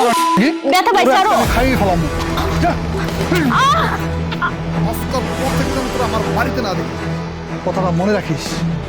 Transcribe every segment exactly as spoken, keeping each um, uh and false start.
ব্যথা পাইছে আরো। খাইয়ে ফেলাম যা আজকাল প্রত্যেকজন তোরা আমার বাড়িতে না দেখি কথাটা মনে রাখিস।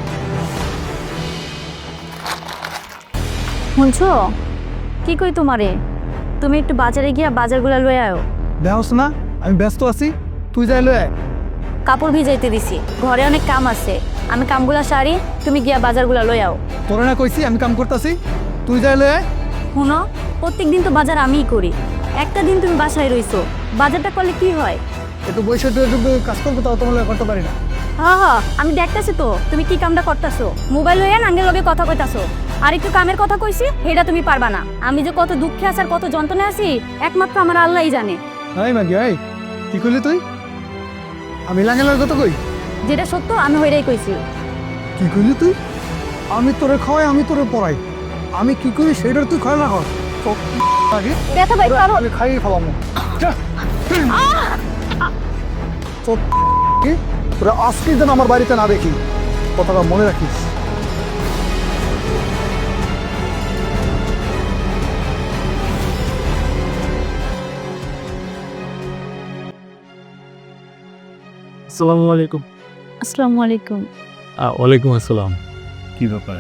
শুনছো কি কই তোমারে, তুমি একটু বাজারে গিয়া বাজারগুলা লয়ে আয়ো। দেহস না আমি ব্যস্ত আছি, তুই যাই লয়ে আয়। কাপড় ভিজাইতে দিছি, ঘরে অনেক কাম আছে, আমি কামগুলা সারি, তুমি গিয়া বাজারগুলা লয়ে আও। তোরে না কইছি আমি কাম করতেছি, তুই যাই লয়ে আয়। শুনো, প্রত্যেক দিন তো বাজার আমিই করি, একটা দিন তুমি বাসায় রইছো, বাজারটা করলে কি হয়? একটু বৈশাখ কাজ করবো তাও তোমার করতে পারি না। হ্যাঁ হ্যাঁ আমি দেখতেছি তো তুমি কি কামটা করতেছো, মোবাইল লইয়া নাঙ্গের লগে কথা কইতাছো, আর একটু কামের কথা কইছি সেটা তুমি পারবা না। আমি যে কত দুঃখে আছি আর কত যন্ত্রণায় আছি একমাত্র আমার আল্লাহই জানে। হাই মাগি হাই, কি করলি তুই? আমি লাঙ্গেলার কথা কই? যেটা সত্য আমি হইরাই কইছি। কি করলি তুই? আমি তোরে খাওয়াই, আমি তোরে পড়াই, আমি কি করি সেটার তুই খায় না কর। আগে ব্যথা পাইছে আরো। আমি খাইয়ে ফেলাম যা। তোর কি? তোরা আজকে যেন আমার বাড়িতে না দেখি, কথাটা মনে রাখিস। আসসালামু আলাইকুম। আসসালামু আলাইকুম। ওয়ালাইকুম আসসালাম। কি ব্যাপার?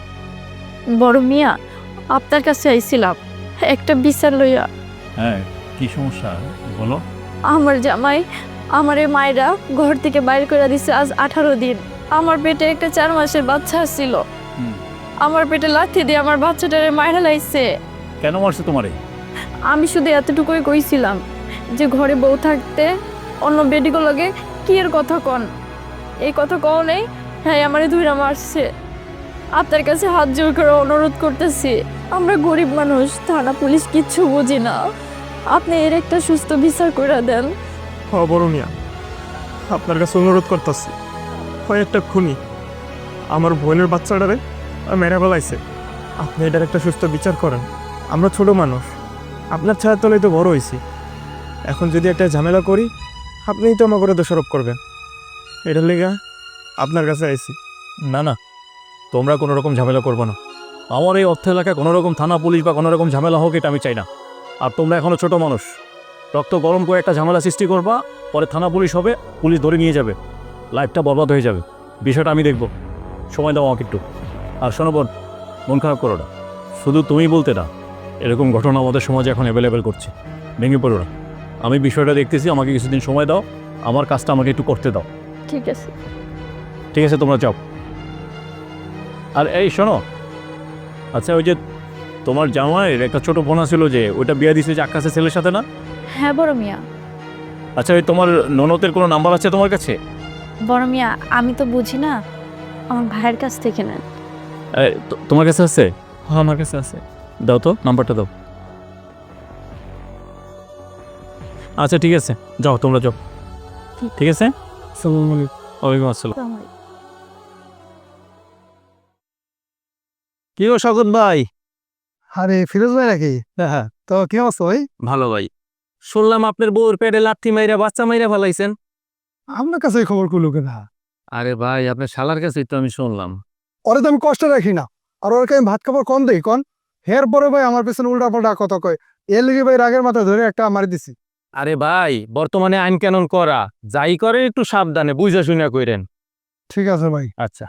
বড় মিয়া, আপনার কাছে আইছিলাম একটা বিচার লইয়া। হ্যাঁ, কি সমস্যা বলো। আমার জামাই আমার এই মায়েরা ঘর থেকে বাইর করে দিছে আজ আঠারো দিন। আমার পেটে একটা চার মাসের বাচ্চা ছিল, আমার পেটে লাথি দিয়ে আমার বাচ্চাটারে মায়েরা লাইছে। কেন মারছে তোমারে? আমি শুধু এতটুকুই কইছিলাম যে ঘরে বউ থাকতে অন্য বেডিগো লাগে কি এর কথা কন, এই কথা কও নেই। হ্যাঁ আমারে ধুইরা মারছে। আপনার কাছে হাত জোর করে অনুরোধ করতেছি, আমরা গরিব মানুষ, থানা পুলিশ কিচ্ছু বুঝি না, আপনি এর একটা সুস্থ বিচার করে দেন। হ্যাঁ বড় মিয়া, আপনার কাছে অনুরোধ করতেছি, হয় একটা খুনি আমার বোনের বাচ্চাটারে মেরে ফেলাইছে, আপনি এটার একটা সুস্থ বিচার করেন। আমরা ছোট মানুষ, আপনার ছায়ার তলেই তো বড় হয়েছি, এখন যদি একটা ঝামেলা করি আপনিই তো আমার করে দোষারোপ করবেন, এটার লেগে আপনার কাছে আইছি। না না, তোমরা কোনো রকম ঝামেলা করবো না। আমার এই অর্থ এলাকায় কোনো রকম থানা পুলিশ বা কোনো রকম ঝামেলা হোক এটা আমি চাই না। আর তোমরা এখনও ছোট মানুষ, রক্ত গরম করে একটা ঝামেলা সৃষ্টি করবা, পরে থানা পুলিশ হবে, পুলিশ ধরে নিয়ে যাবে, লাইফটা বরবাদ হয়ে যাবে। বিষয়টা আমি দেখব, সময় দাও আমাকে একটু। আর শোনো বোন, মন খারাপ করো না, শুধু তুমি বলতে না, এরকম ঘটনা আমাদের সমাজে এখন অ্যাভেলেবেল করছে, ভেঙে পড়ো না। আমি বিষয়টা দেখতেছি, আমাকে কিছুদিন সময় দাও, আমার কাজটা আমাকে একটু করতে দাও। ঠিক আছে। ঠিক আছে, তোমরা যাও। আর এই শোনো, আচ্ছা ওই যে তোমার জামাইয়ের একটা ছোট বোনা ছিল যে ওইটা বিয়ে দিছে যে আকাশের ছেলের সাথে না? হ্যাঁ বড় মিয়া। আচ্ছা ওই তোমার ননদের কোনো নাম্বার আছে তোমার কাছে? বড় মিয়া আমি তো বুঝি না, আমার ভাইয়ের কাছ থেকে নেন। এ, তো- তোমার কাছে আছে? হ্যাঁ আমার কাছে আছে। দাও তো, নাম্বারটা দাও। আচ্ছা ঠিক আছে, যাও তোমরা যাও। ঠিক আছে, আসসালামু আলাইকুম। ওয়ালাইকুম আসসালাম। কি গো শগন ভাই? আরে ফিরোজ ভাই নাকি? হ্যাঁ হ্যাঁ, তো কি অবস্থা ভাই? ভালো ভাই। শুনলাম আপনার বউর পেটে লাথি মাইরা বাচ্চা মাইরা ফেলাইছেন। আপনার কাছে এই খবর করলো কেনা? আরে ভাই আপনার শালার কাছেই তো আমি শুনলাম। ওরে তো আমি কষ্ট রাখি না, আর ওরকে আমি ভাত খাবার কম দেই কন, হের পরে ভাই আমার পেছনে উল্টা পাল্টা কথা কয়, এর লেগে ভাই রাগের মাথা ধরে একটা মারি দিছি। আরে ভাই বর্তমানে আইন কানুন করা, যাই করেন একটু সাবধানে বুঝা শুনা কইরেন। ঠিক আছে ভাই। আচ্ছা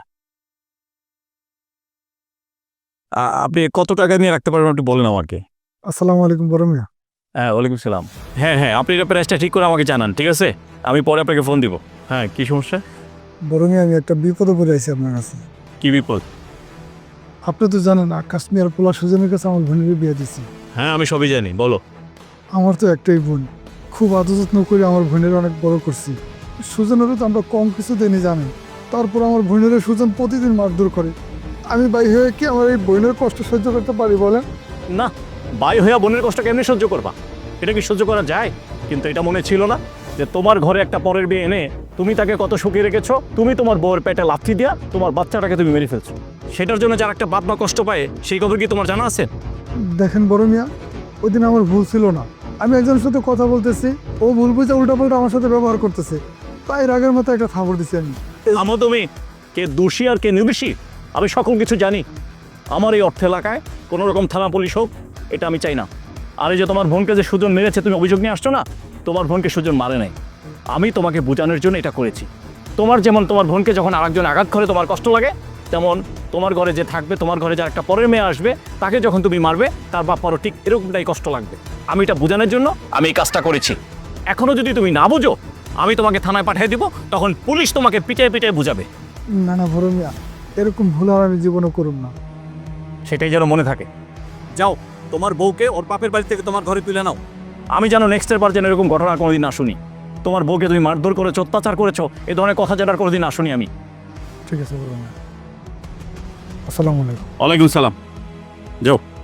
আ- আপনি কত টাকা নিয়ে রাখতে পারবেন একটু বলেন আমাকে। আসসালামু আলাইকুম বড় মিয়া। হ্যাঁ ওয়ালাইকুম সালাম। হ্যাঁ হ্যাঁ, আপনি এটা প্রাইসটা ঠিক করে আমাকে জানান, ঠিক আছে? আমি পরে আপনাকে ফোন দিব। হ্যাঁ, কি সমস্যা? বড় মিয়া আমি একটা বিপদে পড়ে আছি আপনার কাছে। কি বিপদ? আপনি তো জানেন আকাশ মিয়ার পোলা সুজনের কাছে আমার বোনের বিয়ে দিছি। হ্যাঁ আমি সবই জানি, বলো। আমার তো একটাই বোন, খুব আদর যত্ন করে আমার বোনের অনেক বড় করছি। সুজনেরও তো আমরা কম কিছু দেনি জানেন, তারপর আমার বোনের সুজন প্রতিদিন মারধর করে। আমি ভাই হয়ে কি আমার এই বোনের কষ্ট সহ্য করতে পারি বলেন? না, বাই হইয়া বোনের কষ্ট কেমনি সহ্য করবা? এটা কি সহ্য করা যায়? কিন্তু এটা মনে ছিল না যে তোমার ঘরে একটা পরের বিয়ে এনে তুমি তাকে কত সুখী রেখেছো, তুমি তোমার বউয়ের পেটে লাথি দিয়া তোমার বাচ্চাটাকে তুমি মেরে ফেলছো। সেটার জন্য যার একটা বাপ মা কষ্ট পায়, সেই খবর কি তোমার জানা আছে? দেখেন বড় মিয়া, ওই দিন আমার ভুল ছিল না, আমি একজনের সাথে কথা বলতেছি, ও ভুল বুঝে উল্টাপাল্টা আমার সাথে ব্যবহার করতেছে, তাই রাগের মতো একটা থাপড় দিছি আমি। আমার তুমি কে দোষী আর কে নির্দোষী আমি সকল কিছু জানি। আমার এই অর্থ এলাকায় কোনো রকম থানা পুলিশ হোক, এটা আমি চাই না। আর এই যে তোমার বোনকে যে সুজন মেরেছে তুমি অভিযোগ নিয়ে আসছো না, তোমার বোনকে সুজন মারে নাই, আমি তোমাকে বোঝানোর জন্য এটা করেছি। তোমার যেমন তোমার বোনকে যখন আরেকজন আঘাত করে তোমার কষ্ট লাগে, তেমন তোমার ঘরে যে থাকবে, তোমার ঘরে যার একটা পরের মেয়ে আসবে, তাকে যখন তুমি মারবে তার বাপারও ঠিক এরকমটাই কষ্ট লাগবে। আমি এটা বোঝানোর জন্য আমি এই কাজটা করেছি। এখনও যদি তুমি না বোঝো, আমি তোমাকে থানায় পাঠিয়ে দিব, তখন পুলিশ তোমাকে পিটে পিটে বুঝাবে। না না বড় মিয়া, এরকম ভুল আর আমি জীবনে করুম না। সেটাই যেন মনে থাকে। যাও, তোমার বউকে ওর বাপের বাড়ি থেকে তোমার ঘরে তুলে নাও। আমি যেন নেক্সটের বার যেন এরকম ঘটনা কোনোদিন না শুনি। তোমার বউকে তুমি মারধর করেছো, অত্যাচার করেছো, এই ধরনের কথা যেন আর কোনোদিন না শুনি আমি। ঠিক আছে বড় মিয়া, আসসালামু আলাইকুম। ওয়ালাইকুম সালাম। যাও।